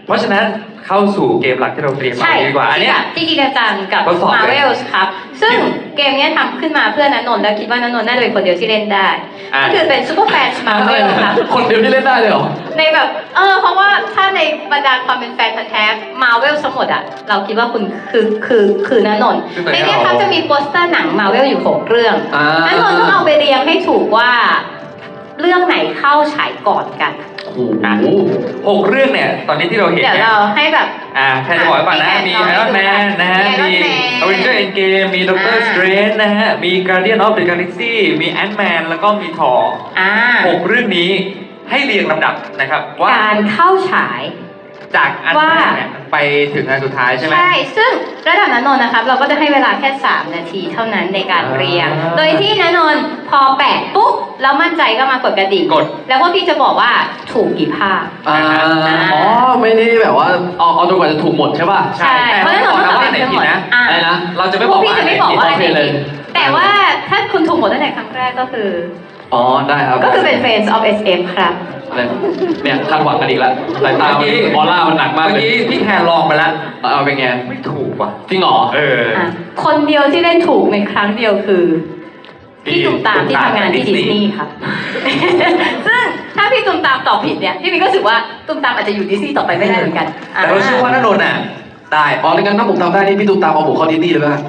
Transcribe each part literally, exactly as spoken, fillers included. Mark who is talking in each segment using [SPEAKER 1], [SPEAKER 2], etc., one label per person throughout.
[SPEAKER 1] เพราะฉะนั้นเข้าสู่เกมหลักที่เราเตรียมมาดีกว่าอันเนี้ย
[SPEAKER 2] ที่จริงจังกับ Marvel ครับซึ่งเกมนี้ทำขึ้นมาเพื่อนนนท์แล้วคิดว่าณนนท์น่าจะเป็นคนเดียวที่เล่นได้ก็คือเป็นซูเปอร์แฟน Marvel ครับ
[SPEAKER 3] คนเดียวที่เล่นได้เลยเหรอ
[SPEAKER 2] ในแบบเออเพราะว่าถ้าในบรรดาความเป็นแฟนพันธุ์แท้ Marvel ทั้งหมดอะเราคิดว่าคุณคือคือคือณนนท์ในนี้ครับจะมีโปสเตอร์หนัง Marvel อยู่หกเรื่องณนนท์ต้องเอาไปเรียงให้ถูกว่าเรื่องไหนเข้าฉายก่อนกัน
[SPEAKER 3] โอ้โห
[SPEAKER 1] หกเรื่องเนี่ยตอนนี้ที่เราเห็น
[SPEAKER 2] เดี๋ยวเราให้แบบ
[SPEAKER 1] อ่าแค่จะบอกก่อนนะมี Iron Man นะฮะมี Avengers Endgame มี Doctor Strange นะฮะมี Guardian of the Galaxy มี Ant-Man แล้วก็มี Thor หกเรื่องนี้ให้เรียงลำดับนะครับว่า
[SPEAKER 2] การเข้าฉาย
[SPEAKER 1] จากอันแรกเนี่ยไปถึงอันสุดท้ายใช่ไหม
[SPEAKER 2] ใช่ซึ่งระดับณนนท์นะครับเราก็จะให้เวลาแค่สามนาทีเท่านั้นในการเรียงโดยที่ณนนท์พอแปะปุ๊บแล้วมั่นใจก็มากดกระดิ่ง
[SPEAKER 1] กด
[SPEAKER 2] แล้วพวกพี่จะบอกว่าถูกกี่ภาพ
[SPEAKER 3] อ๋อไม่ได้แบบว่าเอาเอาจนกว่าจะถูกหมดใช่ป่ะ
[SPEAKER 2] ใช่เพราะฉะนั้นเราต้อง
[SPEAKER 1] ไหนผิดนะ
[SPEAKER 3] อะไรนะ
[SPEAKER 1] เราจะไม่บอกว่า
[SPEAKER 2] ไหนผิดแต่ว่าถ้าคุณถูกหมดตั้งแต่ครั้งแรกก็คือ
[SPEAKER 3] อ๋อได้ครับ
[SPEAKER 2] ก็คือเป็น Friends of เอส เอฟ ครับ
[SPEAKER 3] อะไรเนี่ยคาดหวังกันอีกแล้วสายตาเมื่อกี้ออร่ามันหนักมากเลย
[SPEAKER 1] เมื่อกี้พี่แทนลองไปแล้ว
[SPEAKER 3] เอาเป็นไง
[SPEAKER 1] ไม่ถูกว่ะ
[SPEAKER 3] จริงเหรอ
[SPEAKER 1] เออ
[SPEAKER 2] คนเดียวที่เล่นถูกในครั้งเดียวคือพี่ตุ้มตามที่ทำงานที่ดิสนีย์ครับซึ่งถ้าพี่ตุ้มตามตอบผิดเนี่ยพี่มิ้นก็รู้สึกว่าตุ้มตามอาจจะอยู่ดิสนีย์ต่อไปไม่ได้เหมือนกัน
[SPEAKER 1] แต่เราเชื่อว่าณนนท์อ่ะได้
[SPEAKER 3] อ๋อในงั้นถ้าผมทำได้นี่พี่ตุ้มตามเอาผมเข้าดิสนีย์เลยป่ะ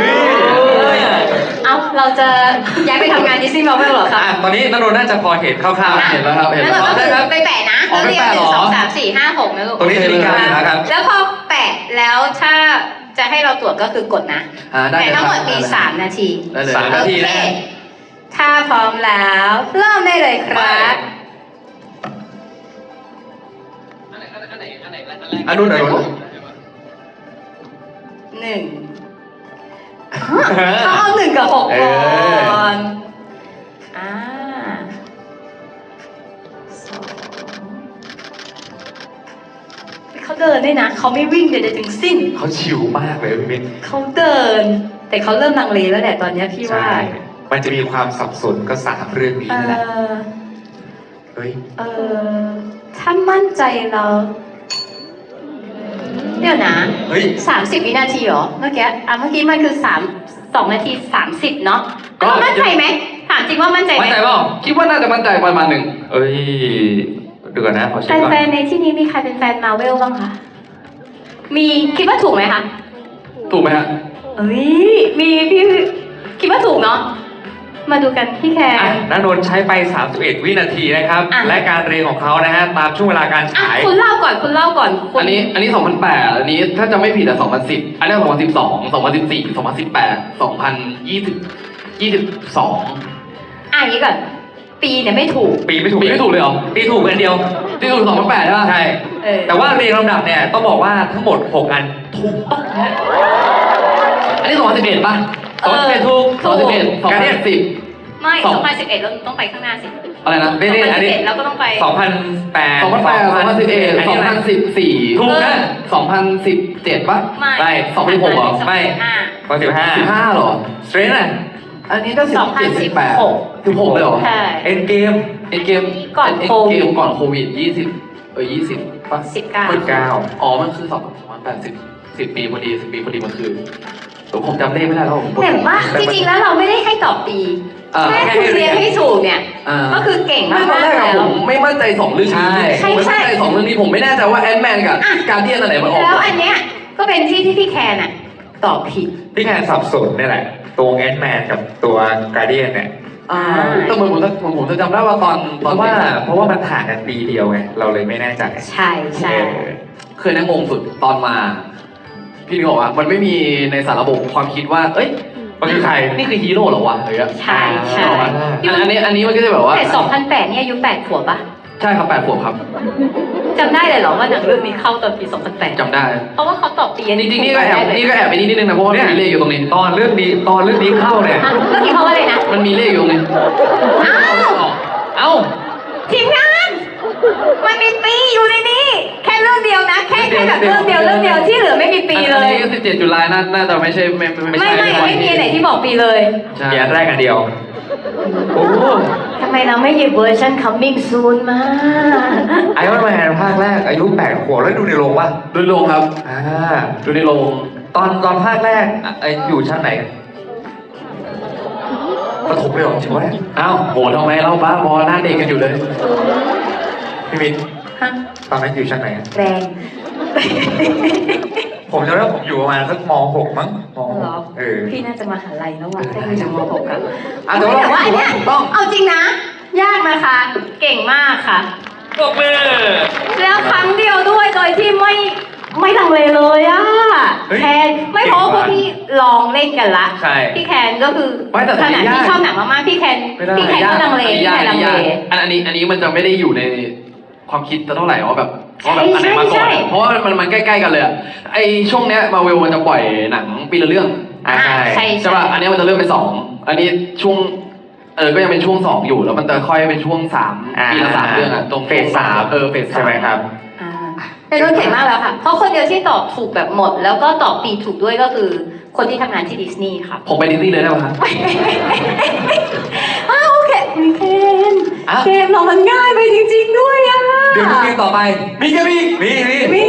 [SPEAKER 2] เอาเราจะย้ายไปทำงานดิสนีย์มาร์เวลเหรอครับ
[SPEAKER 1] ตอนนี้ณนนท์น่าจะพอเห็นคร่าวๆ
[SPEAKER 3] เห็นแล้วครับเห็นแล้ว
[SPEAKER 2] ครับไปแปะนะเราเรียงหนึ่งสองสามสี่ห้าหกนะลูก
[SPEAKER 1] ตรงนี้จะมีการนะครับ
[SPEAKER 2] แล้วพอแปะแล้วถ้าจะให้เราตรวจก็คือกดนะแต่ทั้งหมดมีสามนาที
[SPEAKER 1] สามนาทีนะ
[SPEAKER 2] ถ้าพร้อมแล้วเริ่มได้เลยครับ
[SPEAKER 1] อันนู้นอันนู้น
[SPEAKER 2] หนึ่งเขาเอาหนึ่งกับหกก่อนอ่าสองเขาเดินด้วยนะเขาไม่วิ่งใดๆทั้งสิ้น
[SPEAKER 1] เขาชิวมากเลยพี่มิ้น
[SPEAKER 2] เขาเดินแต่เขาเริ่มลังเลแล้วแหละตอนนี้พี่ว่า
[SPEAKER 1] มันจะมีความสับสนก็สามเรื่องนี้แหละเฮ้ย
[SPEAKER 2] เออถ้ามั่นใจเราเดี๋ยวนะ
[SPEAKER 1] เฮ้ย
[SPEAKER 2] สามสิบวินาทีเหรอเมื่อกี้อ่ะเมื่อกี้มันคือสามสองนาทีสามสิบเนาะก็มั่นใจไหมถามจริงว่ามั่นใจไหม
[SPEAKER 3] มั่นใจเปล่าคิดว่าน่าจะมั่นใจประมาณหนึ่ง
[SPEAKER 1] เอ้ยดูก่อนนะขอเช็คก่อน
[SPEAKER 2] แฟนๆในที่นี้มีใครเป็นแฟนมาร์เวลบ้างคะมีคิดว่าถูกไหมคะ
[SPEAKER 3] ถูกไหมฮะ
[SPEAKER 2] เอ้ยมีพี่คิดว่าถูกเนาะมาดูกันพี่แคร์
[SPEAKER 1] ณนนท์ใช้ไปสามสิบเอ็ดวินาทีนะครับและการเรียงของเขานะฮะตามช่วงเวลาการฉาย
[SPEAKER 2] คุณเล่าก่อนคุณเล่าก่อน
[SPEAKER 3] อันนี้อันนี้สองพันแปดอันนี้ถ้าจะไม่ผิดอะสองพันสิบอันนี้สองพันสิบสองสองพันสิบสี่สองพันสิบแปดสองพันยี่สิบยี่สิบสอง
[SPEAKER 2] อ่ะอย่างนี้ก่อนปีเนี่ยไม่ถูก
[SPEAKER 1] ปีไม่ถูก
[SPEAKER 3] ปีไม่ถูกเลยเหรอ
[SPEAKER 1] ปีถูกอันเดียว
[SPEAKER 3] ปีถูกสองพันแปดใช่ไหม
[SPEAKER 1] ใช่แต่ว่าเรียงลำดับเนี่ยต้องบอกว่าทั้งหมดหกอันถูกต้อง
[SPEAKER 3] อันนี้สองพันสิบเอ็ดป่ะ
[SPEAKER 1] สองพันสิบเอ็ดถูก
[SPEAKER 3] สองพันสิบเอ็ดสองพันสิบ
[SPEAKER 2] ไม่สองพันสิบเอ็ดเราต้องไปข้างหน้าสิ
[SPEAKER 3] อะไรนะ
[SPEAKER 1] ไม่ได้อันนี้
[SPEAKER 2] เราก็ต้องไป
[SPEAKER 1] สองพันแปด
[SPEAKER 3] สองพันแปดสองพันสิบเอ็ดสองพันสิบสี่
[SPEAKER 1] ถูกนะ
[SPEAKER 3] สองพันสิบเจ็ดป่ะ
[SPEAKER 1] ไม่
[SPEAKER 3] สองพันสิบหกเหรอ
[SPEAKER 1] ไม่สองพันสิบห้าสิบห้า
[SPEAKER 3] หรอ
[SPEAKER 1] สเตรนอ่ะ
[SPEAKER 3] อันนี้ก็สิบเจ็ดสิบแปดสิบหกเลยเหรอ
[SPEAKER 1] เอ็นเกม
[SPEAKER 3] เอ็นเกม
[SPEAKER 2] ก่อนโควิด
[SPEAKER 3] ก่อนโควิดยี่สิบเออยี่สิบป่ะ
[SPEAKER 2] สิบเก้า
[SPEAKER 1] สิบเก้า
[SPEAKER 3] อ๋อมันคือสองพันแปดสิบสิบปีพอดีสิบปีพอดีมันคือผมจำเลขไม่ได้แล้วผม
[SPEAKER 2] แต่ว่าจริงๆแล้วเราไม่ได้ให้ตอบปีแค่คุณเรียนให้ถูกเนี่ยก็คือเก่งมากๆแล้ว
[SPEAKER 3] ผมไม่มั่นใจสองเรื่องนี้ผมไม่มั่นใจสองเรื่องนี้ผมไม่แน่ใจว่าแอนด์แมนกับการเดียนอะไรมันออก
[SPEAKER 2] แล้วอันเนี้ยก็เป็นที่ที่พี่แคนน่ะตอบผิด
[SPEAKER 1] พี่แคนสับสนนี่แหละตัวแอนด์แมนกับตัวการเดียนเนี่ย
[SPEAKER 3] แต่เหมือนผมผมผมจะจำได้ว่าตอน
[SPEAKER 1] เพราะว่าเพราะว่ามันห่างกันปีเดียวไงเราเลยไม่แน่ใจ
[SPEAKER 2] ใช่ใช่
[SPEAKER 3] เคยนั่งงงสุดตอนมาพี่นึกออกว่ามันไม่มีในสารระบบความคิดว่าเอ้ย
[SPEAKER 1] มันคือใคร
[SPEAKER 3] นี่คือฮีโร่เหรอวะเฮ้ย
[SPEAKER 2] ใช่ใช่
[SPEAKER 3] อันนี้อันนี้มันก็จะแบบว่า
[SPEAKER 2] แต่สองพันแปดเนี่ยอายุแปดขวบปะ
[SPEAKER 3] ใช่ครับแปดขวบครับ
[SPEAKER 2] จำได้เลยเหรอว่าหนังเรื่องนี้เข้าตอนปีสองพันแปด
[SPEAKER 3] จำได้
[SPEAKER 2] เพราะว่าเขาตอบปี
[SPEAKER 3] จริงๆนี่ก็แอบนี่ก็แอบไปนิดนึงนะเพราะว่ามีเลขอยู่ตรงนี้
[SPEAKER 1] ตอนเรื่องนี้ตอนเรื่องนี้เข้าเนี่ย
[SPEAKER 2] เรื่องนี้เขาว่าอะไรนะ
[SPEAKER 3] มันมีเลขอยู่ตรงนี้
[SPEAKER 2] อ้าว
[SPEAKER 3] เอ้า
[SPEAKER 2] ทีมงานมันมีปีอยู่ในนี้แค่เรื่องเดียวนะแค่แค่แบบเรื่องเดียวเรื่องเดียวที่เหลือไม่มีปีเลย
[SPEAKER 3] อันนี้สิบเจ็ดจุลายน่าน่าจะไม่ใช่ไม่
[SPEAKER 2] ไม่ไม่ไม่ไม่มีไหนที่บอกปีเลย
[SPEAKER 1] เขียนแรกอันเดียวโอ้
[SPEAKER 2] ทำไมเราไม่หยิบเวอร์ชัน coming soon มา
[SPEAKER 1] ไอรอนแมนภาคแรกอายุแปดขวบแล้วดูในโรงป่ะ
[SPEAKER 3] ดูในโรงครับ
[SPEAKER 1] อ่า
[SPEAKER 3] ดูในโรง
[SPEAKER 1] ตอนตอนภาคแรกอ่ะไออยู่ชั้นไหนประถมเลยเหรอจริงวะเนี่ย
[SPEAKER 3] อ้าวโหทำไมเราบ้าบอหน้าเด็กกันอยู่เลย
[SPEAKER 1] พี่มิน
[SPEAKER 2] ฮะ
[SPEAKER 1] ตอนนั้นอยู่ชั้นไหนอะ
[SPEAKER 2] แรง
[SPEAKER 1] ผมจำได้ว่าผมอยู่ประมาณสักม หก มั้งม หก
[SPEAKER 2] เหรอ
[SPEAKER 1] เออ
[SPEAKER 2] พี่น่าจะมาหาลัยแล้วว่ะถ้าอยู่จากม .หก อะ
[SPEAKER 1] อ่ะแต่ว่า
[SPEAKER 2] แต่ว่าอันเนี้ย
[SPEAKER 1] ถูกต้อง
[SPEAKER 2] เอาจริงนะ ยากนะคะ เก่งมากค่ะ
[SPEAKER 1] ปรบมือ
[SPEAKER 2] แล้วครั้งเดียวด้วยโดยที่ไม่ไม่ลังเลเลยอะ
[SPEAKER 1] เฮ้ย
[SPEAKER 2] แคนไม่เพราะว่าพวกพี่ลองเล่นกันละ
[SPEAKER 1] ใช่
[SPEAKER 2] พี่แคนก็คือ
[SPEAKER 3] ไม่แต่
[SPEAKER 2] ขนาด
[SPEAKER 3] ยาก
[SPEAKER 2] ที่ชอบหนังมากๆพี่แคน
[SPEAKER 1] ไม่ได้
[SPEAKER 2] พี่แคนก็ลังเล
[SPEAKER 3] อันนี้
[SPEAKER 2] พี่
[SPEAKER 3] ยาก
[SPEAKER 2] แคน
[SPEAKER 3] อัน
[SPEAKER 2] ลั
[SPEAKER 3] นี้
[SPEAKER 2] ง
[SPEAKER 3] ยาก
[SPEAKER 2] เล
[SPEAKER 3] อันอันนี้อันนี้มันจะไม่ได้อยู่ในความคิดเท่าไหร่ว่าแบบว่าแบบอันไหนมาก่
[SPEAKER 2] ใช่
[SPEAKER 3] อน
[SPEAKER 2] ใช่
[SPEAKER 3] เพราะว่ามันมันใกล้ๆกันเลยอะไอช่วงเนี้ยมาเวลมันจะปล่อยหนังปีละเรื่อง
[SPEAKER 1] อ่าใช่
[SPEAKER 2] ใช่
[SPEAKER 3] ใช่ป่ะอันเนี้ยมันจะเริ่มเป็นสองอันนี้ช่วงเออก็ยังเป็นช่วงสองอยู่แล้วมันจะค่อยเป็นช่วงสาม
[SPEAKER 1] อ่า
[SPEAKER 3] ปีละสามเรื่องอะตรง
[SPEAKER 1] เฟสสาม
[SPEAKER 3] เออเฟสสาม
[SPEAKER 1] ใช่ไหมครับ
[SPEAKER 2] อ่าเป็นรุ่นเก่งมากแล้วค่ะ เพราะคนเดียวที่ตอบถูกแบบหมด แล้วก็ตอบปีถูกด้วยก็คือคนที่ทำงานที่ดิสนีย์ค่ะ
[SPEAKER 3] ผมไปดิสนีย์เลยได้ป่ะครับ
[SPEAKER 2] อ้าวโอเคมีเคน
[SPEAKER 1] อ้าว
[SPEAKER 2] เกมเรามันง่ายไปจริงๆด้วยอ่ะ
[SPEAKER 1] เดี๋ยวดูเกมต่อไป มีกันมีมีมี
[SPEAKER 2] มี